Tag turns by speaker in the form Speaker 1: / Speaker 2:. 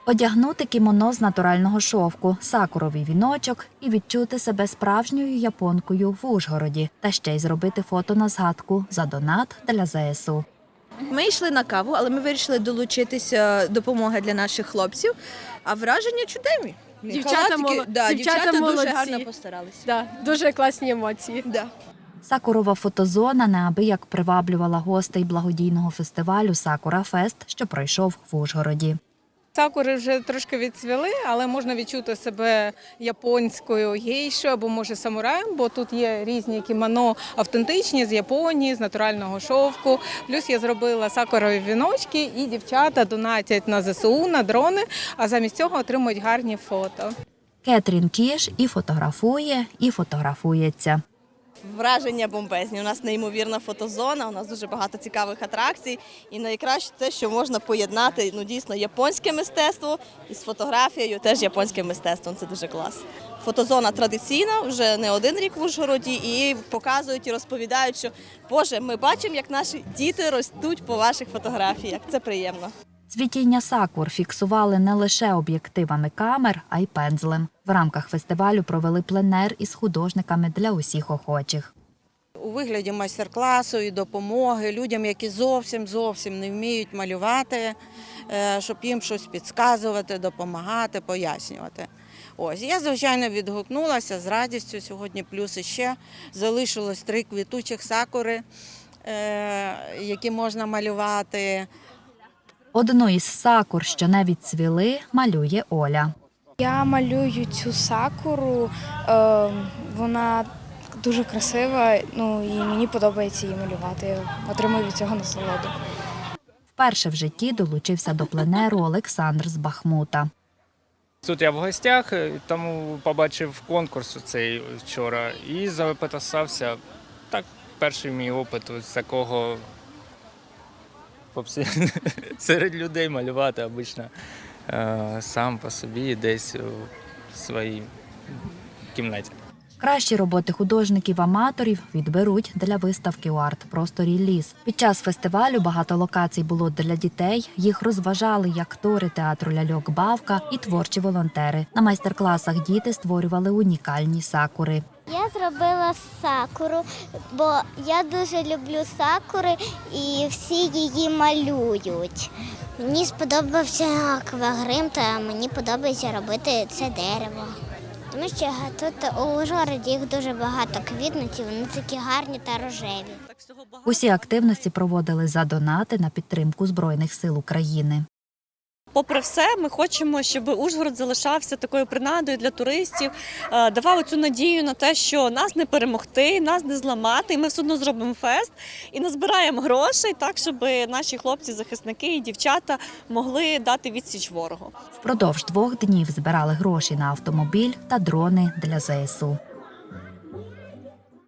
Speaker 1: Одягнути кімоно з натурального шовку, сакуровий віночок і відчути себе справжньою японкою в Ужгороді. Та ще й зробити фото на згадку за донат для ЗСУ.
Speaker 2: Ми йшли на каву, але ми вирішили долучитися допомоги для наших хлопців. А враження чудові. Дівчата дуже гарно постаралися.
Speaker 3: Да, дуже класні емоції.
Speaker 2: Да.
Speaker 1: Сакурова фотозона неабияк приваблювала гостей благодійного фестивалю «Сакура Фест», що пройшов в Ужгороді.
Speaker 4: Сакури вже трошки відцвіли, але можна відчути себе японською гейшою або, може, самураєм, бо тут є різні кімоно автентичні з Японії, з натурального шовку. Плюс я зробила сакурові віночки і дівчата донатять на ЗСУ, на дрони, а замість цього отримують гарні фото.
Speaker 1: Кетрін Кіш і фотографує, і фотографується.
Speaker 5: Враження бомбезні. У нас неймовірна фотозона, у нас дуже багато цікавих атракцій. І найкраще те, що можна поєднати дійсно японське мистецтво із фотографією, теж японським мистецтвом. Це дуже клас. Фотозона традиційна, вже не один рік в Ужгороді, і показують і розповідають, що «Боже, ми бачимо, як наші діти ростуть по ваших фотографіях». Це приємно.
Speaker 1: Цвітіння сакур фіксували не лише об'єктивами камер, а й пензлем. В рамках фестивалю провели пленер із художниками для усіх охочих.
Speaker 6: У вигляді майстер-класу і допомоги людям, які зовсім не вміють малювати, щоб їм щось підказувати, допомагати, пояснювати. Ось, я, звичайно, відгукнулася з радістю. Сьогодні плюс іще залишилось 3 квітучих сакури, які можна малювати.
Speaker 1: Одну із сакур, що не відцвіли, малює Оля.
Speaker 7: Я малюю цю сакуру, вона дуже красива, і мені подобається її малювати, я отримую від цього насолоду.
Speaker 1: Вперше в житті долучився до пленеру Олександр з Бахмута.
Speaker 8: Тут я в гостях, тому побачив конкурс цей вчора і записався. Так, перший мій опит з такого серед людей малювати обично сам по собі десь у своїй кімнаті.
Speaker 1: Кращі роботи художників-аматорів відберуть для виставки у арт-просторі «Ліс». Під час фестивалю багато локацій було для дітей. Їх розважали як актори театру «Ляльок Бавка» і творчі волонтери. На майстер-класах діти створювали унікальні сакури.
Speaker 9: Я зробила сакуру, бо я дуже люблю сакури і всі її малюють. Мені сподобався аквагрим, та мені подобається робити це дерево. Тому що тут у Ужгороді їх дуже багато квітнуть, і вони такі гарні та рожеві.
Speaker 1: Усі активності проводили за донати на підтримку Збройних сил України.
Speaker 10: Попри все, ми хочемо, щоб Ужгород залишався такою принадою для туристів, давав цю надію на те, що нас не перемогти, нас не зламати, і ми все одно зробимо фест і назбираємо грошей так, щоб наші хлопці-захисники і дівчата могли дати відсіч ворогу.
Speaker 1: Впродовж 2 днів збирали гроші на автомобіль та дрони для ЗСУ.